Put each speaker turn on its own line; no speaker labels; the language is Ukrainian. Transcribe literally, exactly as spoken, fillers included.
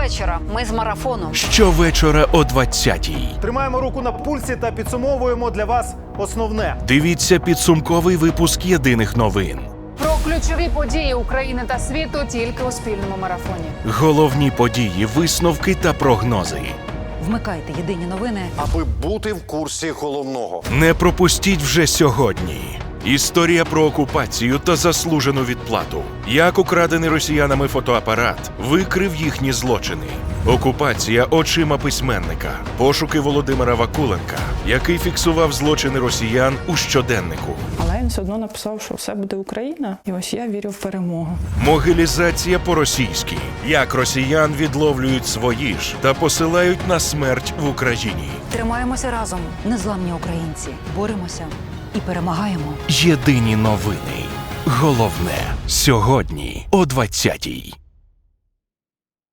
Щовечора ми з марафону.
Щовечора о двадцятій.
Тримаємо руку на пульсі та підсумовуємо для вас основне.
Дивіться підсумковий випуск єдиних новин.
Про ключові події України та світу тільки у спільному марафоні.
Головні події, висновки та прогнози.
Вмикайте єдині новини.
Аби бути в курсі головного.
Не пропустіть вже сьогодні. Історія про окупацію та заслужену відплату. Як украдений росіянами фотоапарат викрив їхні злочини. Окупація очима письменника. Пошуки Володимира Вакуленка, який фіксував злочини росіян у щоденнику.
Але він все одно написав, що все буде Україна, і ось я вірю в перемогу.
Могилізація по-російськи. Як росіян відловлюють свої ж та посилають на смерть в Україні.
Тримаємося разом, незламні українці. Боремося і перемагаємо.
Єдині новини. Головне. Сьогодні о двадцятій.